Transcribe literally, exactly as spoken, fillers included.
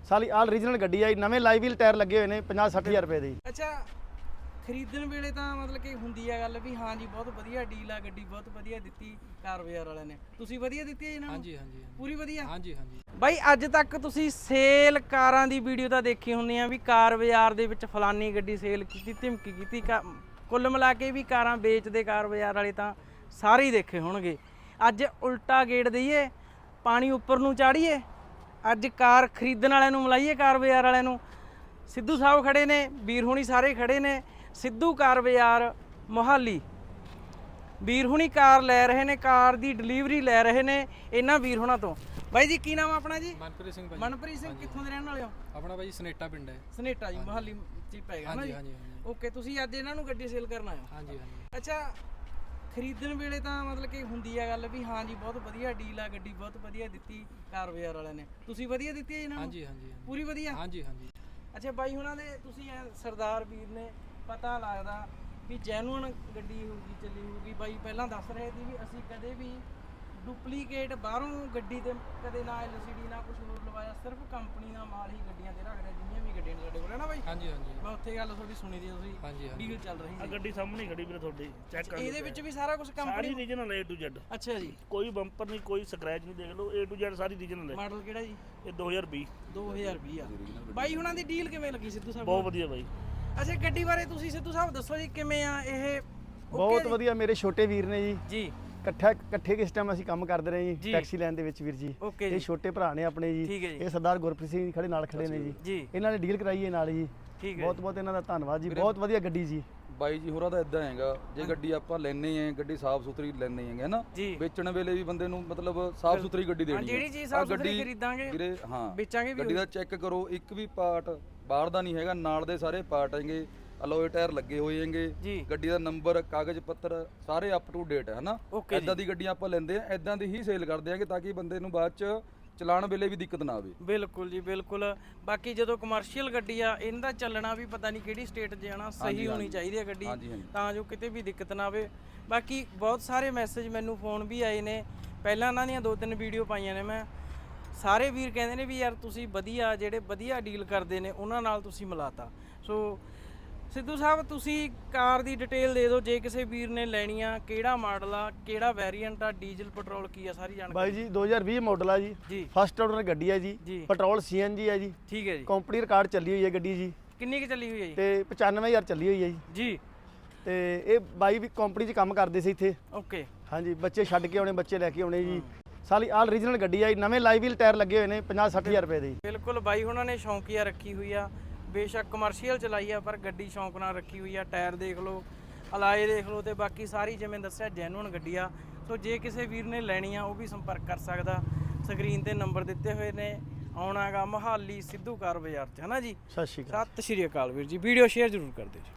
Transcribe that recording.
ਸਾਲੀ ਆਲ ਰੀਜਨਲ ਗੱਡੀ ਆ, ਨਵੇਂ ਲਾਈਵ ਵੀਲ ਟਾਇਰ ਲੱਗੇ ਹੋਏ ਨੇ ਪੰਜਾਹ ਸੱਠ ਹਜ਼ਾਰ ਰੁਪਏ ਦੇ। ਅੱਛਾ, ਖਰੀਦਣ ਵੇਲੇ ਤਾਂ ਮਤਲਬ ਕਿ ਹੁੰਦੀ ਆ ਗੱਲ ਵੀ ਹਾਂ ਜੀ ਬਹੁਤ ਵਧੀਆ ਡੀਲ ਆ, ਗੱਡੀ ਬਹੁਤ ਵਧੀਆ ਦਿੱਤੀ ਕਾਰ ਬਾਜ਼ਾਰ ਵਾਲਿਆਂ ਨੇ। ਤੁਸੀਂ ਵਧੀਆ ਦਿੱਤੀ ਹੈ ਇਹਨਾਂ ਨੂੰ? ਹਾਂਜੀ ਹਾਂਜੀ ਪੂਰੀ ਵਧੀਆ। ਹਾਂਜੀ ਹਾਂਜੀ ਬਾਈ ਅੱਜ ਤੱਕ ਤੁਸੀਂ ਸੇਲ ਕਾਰਾਂ ਦੀ ਵੀਡੀਓ ਤਾਂ ਦੇਖੀ ਹੁੰਦੀ ਆ ਵੀ ਕਾਰ ਬਾਜ਼ਾਰ ਦੇ ਵਿੱਚ ਫਲਾਨੀ ਗੱਡੀ ਸੇਲ ਕੀਤੀ, ਧਮਕੀ ਕੀਤੀ। ਕੁੱਲ ਮਿਲਾ ਕੇ ਵੀ ਕਾਰਾਂ ਵੇਚਦੇ ਕਾਰ ਬਾਜ਼ਾਰ ਵਾਲੇ ਤਾਂ ਸਾਰੇ ਹੀ ਦੇਖੇ ਹੋਣਗੇ। ਅੱਜ ਉਲਟਾ ਗੇੜ ਦਈਏ, ਪਾਣੀ ਉੱਪਰ ਨੂੰ ਚਾੜੀਏ, ਅੱਜ ਕਾਰ ਖਰੀਦਣ ਵਾਲਿਆਂ ਨੂੰ ਮਿਲਾਈਏ ਕਾਰ ਬਾਜ਼ਾਰ ਵਾਲਿਆਂ ਨੂੰ। ਸਿੱਧੂ ਸਾਹਿਬ ਖੜੇ ਨੇ, ਵੀਰ ਹੁਣੀ ਸਾਰੇ ਖੜੇ ਨੇ। ਸਿੱਧੂ ਕਾਰ ਬਾਜ਼ਾਰ ਮੋਹਾਲੀ ਵੀਰ ਹੁਣੀ ਕਾਰ ਲੈ ਰਹੇ ਨੇ, ਕਾਰ ਦੀ ਡਿਲੀਵਰੀ ਲੈ ਰਹੇ ਨੇ ਇਹਨਾਂ ਵੀਰ ਹੁਣਾਂ ਤੋਂ। ਬਾਈ ਜੀ ਕੀ ਨਾਮ ਆਪਣਾ ਜੀ? ਮਨਪ੍ਰੀਤ ਸਿੰਘ ਭਾਈ। ਮਨਪ੍ਰੀਤ ਸਿੰਘ ਕਿੱਥੋਂ ਦੇ ਰਹਿਣ ਵਾਲੇ ਹੋ? ਆਪਣਾ ਭਾਈ ਸਨੇਟਾ ਪਿੰਡ ਹੈ। ਸਨੇਟਾ ਜੀ, ਮੋਹਾਲੀ ਚ ਪੈਗਾ ਨਾ ਜੀ? ਹਾਂਜੀ ਹਾਂਜੀ ਓਕੇ, ਤੁਸੀਂ ਅੱਜ ਇਹਨਾਂ ਨੂੰ ਗੱਡੀ ਸੇਲ ਕਰਨ ਆਏ ਹੋ? ਹਾਂਜੀ ਹਾਂਜੀ ਅੱਛਾ, ਖਰੀਦਣ ਵੇਲੇ ਤਾਂ ਮਤਲਬ ਕਿ ਹੁੰਦੀ ਆ ਗੱਲ ਵੀ ਹਾਂ ਜੀ ਬਹੁਤ ਵਧੀਆ ਡੀਲ ਆ, ਗੱਡੀ ਬਹੁਤ ਵਧੀਆ ਦਿੱਤੀ ਕਾਰ ਬਾਜ਼ਾਰ ਵਾਲਿਆਂ ਨੇ। ਤੁਸੀਂ ਵਧੀਆ ਦਿੱਤੀ ਹੈ ਇਹਨਾਂ ਨੂੰ? ਹਾਂਜੀ ਹਾਂਜੀ ਪੂਰੀ ਵਧੀਆ। ਹਾਂਜੀ ਹਾਂਜੀ ਅੱਛਾ ਬਾਈ ਹੁਣਾਂ ਦੇ ਤੁਸੀਂ ਐ ਸਰਦਾਰ ਵੀਰ ਨੇ, ਪਤਾ ਲੱਗਦਾ ਵੀ ਜੈਨੂਅਨ ਗੱਡੀ ਹੋਊਗੀ, ਚੱਲੀ ਹੋਊਗੀ। ਬਾਈ ਪਹਿਲਾਂ ਦੱਸ ਰਹੇ ਸੀ ਵੀ ਅਸੀਂ ਕਦੇ ਵੀ ਡੁਪਲੀਕੇਟ ਬਾਹਰੋਂ ਗੱਡੀ ਤੇ ਕਦੇ ਨਾ ਐਲ ਸੀ ਡੀ ਨਾ ਕੁਝ ਹੋਰ ਲਵਾਇਆ, ਸਿਰਫ ਕੰਪਨੀ ਦਾ ਮਾਲ ਹੀ ਗੱਡੀਆਂ ਤੇ ਰੱਖਦੇ, ਜਿੰਨੀਆਂ ਵੀ ਗੱਡੀਆਂ ਨੇ ਸਾਡੇ ਕੋਲ ਹੈ ਨਾ ਬਾਈ? ਹਾਂਜੀ ਹਾਂਜੀ ਮੈਂ ਉੱਥੇ ਗੱਲ ਤੁਹਾਡੀ ਸੁਣੀ ਦੀ, ਤੁਸੀਂ ਹਾਂਜੀ ਹਾਂਜੀ ਡੀਲ ਚੱਲ ਰਹੀ ਆ ਸੀ। ਗੱਡੀ ਸਾਹਮਣੇ ਖੜੀ ਵੀਰੇ ਤੁਹਾਡੀ, ਚੈੱਕ ਕਰ ਲਓ। ਇਹਦੇ ਵਿੱਚ ਵੀ ਸਾਰਾ ਕੁਝ ਸਾਰੀ ਕੰਪਨੀ? ਰੀਜਨਲ ਹੈ A to Z। ਅੱਛਾ ਜੀ, ਕੋਈ ਬੰਪਰ ਨਹੀਂ, ਕੋਈ ਸਕ੍ਰੈਚ ਨਹੀਂ, ਦੇਖ ਲਓ A to Z ਸਾਰੀ ਰੀਜਨਲ ਹੈ। ਮਾਡਲ ਕਿਹੜਾ ਜੀ? ਇਹ ਦੋ ਹਜ਼ਾਰ ਵੀਹ। ਦੋ ਹਜ਼ਾਰ ਵੀਹ ਆ। ਬਾਈ ਹੁਣਾਂ ਦੀ ਡੀਲ ਕਿਵੇਂ ਲੱਗੀ ਸਿੱਧੂ ਸਾਹਿਬ? ਬਹੁਤ ਵਧੀਆ ਬਾਈ। ਅੱਛਾ ਗੱਡੀ ਬਾਰੇ ਤੁਸੀਂ ਸਿੱਧੂ ਸਾਹਿਬ ਦੱਸੋ ਜੀ, ਕਿਵੇਂ ਆ ਇਹ? ਬਹੁਤ ਵਧੀਆ, ਮੇਰੇ ਛੋਟੇ ਵੀਰ ਨੇ ਜੀ। ਜੀ ਇਕੱਠਾ ਇਕੱਠੇ ਕਿਸ ਟਾਈਮ ਅਸੀਂ ਕੰਮ ਕਰਦੇ ਰਹੇ ਜੀ। ਜੀ ਟੈਕਸੀ ਲਾਈਨ ਦੇ ਵਿੱਚ ਵੀਰ ਜੀ। ਓਕੇ ਇਹ ਜੀ, ਛੋਟੇ ਭਰਾ ਨੇ ਆਪਣੇ ਠੀਕ ਹੈ ਜੀ। ਜੀ। ਇਹ ਸਰਦਾਰ ਗੁਰਪ੍ਰੀਤ ਸਿੰਘ ਜੀ ਖੜੇ ਨਾਲ ਖੜੇ ਨੇ ਜੀ। ਜੀ ਇਹਨਾਂ ਨੇ ਡੀਲ ਕਰਾਈ ਹੈ ਨਾਲ ਜੀ। ਠੀਕ ਹੈ ਬਹੁਤ ਬਹੁਤ ਇਹਨਾਂ ਦਾ ਧੰਨਵਾਦ ਜੀ, ਬਹੁਤ ਵਧੀਆ ਗੱਡੀ ਜੀ। ਬਾਈ ਜੀ ਹੋਰਾਂ ਦਾ ਇਦਾਂ ਹੈਗਾ, ਜੇ ਗੱਡੀ ਆਪਾਂ ਲੈਣੇ ਆਂ, ਗੱਡੀ ਸਾਫ਼ ਸੁਥਰੀ ਲੈਣੇ ਹੈਗੇ ਨਾ, ਜੀ। ਵੇਚਣ ਵੇਲੇ ਵੀ ਬੰਦੇ ਨੂੰ ਮਤਲਬ ਸਾਫ਼ ਸੁਥਰੀ ਗੱਡੀ ਹਾਂ, ਦੇਣੀ ਜਿਹੜੀ ਚੀਜ਼ ਸਾਫ਼ ਸੁਥਰੀ ਖਰੀਦਾਂਗੇ ਵੀਰੇ, ਹਾਂ ਵੇਚਾਂਗੇ ਵੀ। ਗੱਡੀ ਦਾ ਚੈੱਕ ਕਰੋ, ਇੱਕ ਵੀ ਪਾਰਟ ਬਾਹਰ ਦਾ ਨਹੀਂ ਹੈਗਾ, ਨਾਲ ਦੇ ਸਾਰੇ ਪਾਰਟ ਹੈਗੇ, ਅਲੋਏ ਟਾਇਰ ਲੱਗੇ ਹੋਏ ਹੈਗੇ, ਜੀ। ਗੱਡੀ ਦਾ ਨੰਬਰ, ਕਾਗਜ਼ ਪੱਤਰ ਸਾਰੇ ਅਪ ਟੂ ਡੇਟ ਹੈ ਨਾ। ਓਕੇ ਇਦਾਂ ਦੀ ਗੱਡੀਆਂ ਆਪਾਂ ਲੈਂਦੇ ਆ, ਇਦਾਂ ਦੀ ਹੀ ਸੇਲ ਕਰਦੇ ਆਂਗੇ ਤਾਂ ਕਿ ਬੰਦੇ ਨੂੰ ਬਾਅਦ ਚ ਚਲਾਉਣ ਵੇਲੇ ਵੀ ਦਿੱਕਤ ਨਾ ਆਵੇ। ਬਿਲਕੁਲ ਜੀ ਬਿਲਕੁਲ। ਬਾਕੀ ਜਦੋਂ ਕਮਰਸ਼ੀਅਲ ਗੱਡੀ ਆ, ਇਹਦਾ ਚੱਲਣਾ ਵੀ ਪਤਾ ਨਹੀਂ ਕਿਹੜੀ ਸਟੇਟ 'ਚ ਜਾਣਾ, ਸਹੀ ਹੋਣੀ ਚਾਹੀਦੀ ਹੈ ਗੱਡੀ, ਤਾਂ ਜੋ ਕਿਤੇ ਵੀ ਦਿੱਕਤ ਨਾ ਆਵੇ। ਬਾਕੀ ਬਹੁਤ ਸਾਰੇ ਮੈਸੇਜ ਮੈਨੂੰ ਫੋਨ ਵੀ ਆਏ ਨੇ, ਪਹਿਲਾਂ ਇਹਨਾਂ ਦੀਆਂ ਦੋ ਤਿੰਨ ਵੀਡੀਓ ਪਾਈਆਂ ਨੇ ਮੈਂ। ਸਾਰੇ ਵੀਰ ਕਹਿੰਦੇ ਨੇ ਵੀ ਯਾਰ ਤੁਸੀਂ ਵਧੀਆ, ਜਿਹੜੇ ਵਧੀਆ ਡੀਲ ਕਰਦੇ ਨੇ ਉਹਨਾਂ ਨਾਲ ਤੁਸੀਂ ਮਿਲਾਤਾ। ਸੋ ਸਿੱਧੂ ਸਾਹਿਬ ਤੁਸੀਂ ਕਾਰ ਦੀ ਡਿਟੇਲ ਦੇ ਦਿਓ, ਜੇ ਕਿਸੇ ਵੀਰ ਨੇ ਲੈਣੀ ਆ, ਕਿਹੜਾ ਮਾਡਲ ਆ, ਕਿਹੜਾ ਵੇਰੀਐਂਟ ਆ, ਡੀਜ਼ਲ ਪੈਟਰੋਲ ਕੀ ਆ, ਸਾਰੀ ਜਾਣਕਾਰੀ। ਬਾਈ ਜੀ ਦੋ ਹਜ਼ਾਰ ਵੀਹ ਮਾਡਲ ਆ ਜੀ, ਜੀ ਫਸਟ ਆਰਡਰ ਗੱਡੀ ਹੈ ਜੀ, ਜੀ। ਪੈਟਰੋਲ ਸੀ ਐਨ ਜੀ ਹੈ ਜੀ, ਠੀਕ ਹੈ ਜੀ। ਕੰਪਨੀ ਰਿਕਾਰਡ ਚੱਲੀ ਹੋਈ ਹੈ ਗੱਡੀ ਜੀ, ਕਿੰਨੀ ਕੁ ਚੱਲੀ ਹੋਈ ਹੈ ਜੀ? ਤੇ ਪਚਾਨਵੇਂ ਹਜ਼ਾਰ ਚੱਲੀ ਹੋਈ ਹੈ ਜੀ। ਜੀ ਤੇ ਇਹ ਬਾਈ ਵੀ ਕੰਪਨੀ 'ਚ ਕੰਮ ਕਰਦੇ ਸੀ ਇੱਥੇ। ਓਕੇ। ਹਾਂਜੀ, ਬੱਚੇ ਛੱਡ ਕੇ ਆਉਣੇ, ਬੱਚੇ ਲੈ ਕੇ ਆਉਣੇ ਜੀ। ਸਾਲੀ ਆਲ ਰੀਜਨਲ ਗੱਡੀ ਆ, ਨਵੇਂ ਲਾਈਵ ਵੀਲ ਟਾਇਰ ਲੱਗੇ ਹੋਏ ਨੇ ਪੰਜਾਹ ਸੱਠ ਹਜ਼ਾਰ ਰੁਪਏ ਦੇ। ਬਿਲਕੁਲ ਬਾਈ ਉਹਨਾਂ ਨੇ ਸ਼ੌਂਕੀਆ ਰੱਖੀ ਹੋਈ ਆ, ਬੇਸ਼ੱਕ ਕਮਰਸ਼ੀਅਲ ਚਲਾਈ ਆ ਪਰ ਗੱਡੀ ਸ਼ੌਂਕ ਨਾਲ ਰੱਖੀ ਹੋਈ ਆ। ਟਾਇਰ ਦੇਖ ਲਓ, ਅਲਾਏ ਦੇਖ ਲਓ, ਤੇ ਬਾਕੀ ਸਾਰੀ ਜਿਵੇਂ ਦੱਸਿਆ ਜੈਨੂਅਨ ਗੱਡੀ ਆ। ਸੋ ਜੇ ਕਿਸੇ ਵੀਰ ਨੇ ਲੈਣੀ ਆ ਉਹ ਵੀ ਸੰਪਰਕ ਕਰ ਸਕਦਾ, ਸਕਰੀਨ ਤੇ ਨੰਬਰ ਦਿੱਤੇ ਹੋਏ ਨੇ। ਆਉਣਾਗਾ ਮੋਹਾਲੀ ਸਿੱਧੂ ਕਾਰ ਬਾਜ਼ਾਰ 'ਚ, ਹੈ ਨਾ ਜੀ? ਸਤਿ ਸ਼੍ਰੀ ਅਕਾਲ। ਸਤਿ ਸ਼੍ਰੀ ਅਕਾਲ ਵੀਰ ਜੀ। ਵੀਡੀਓ ਸ਼ੇਅਰ ਜ਼ਰੂਰ ਕਰ ਦਿਓ ਜੀ।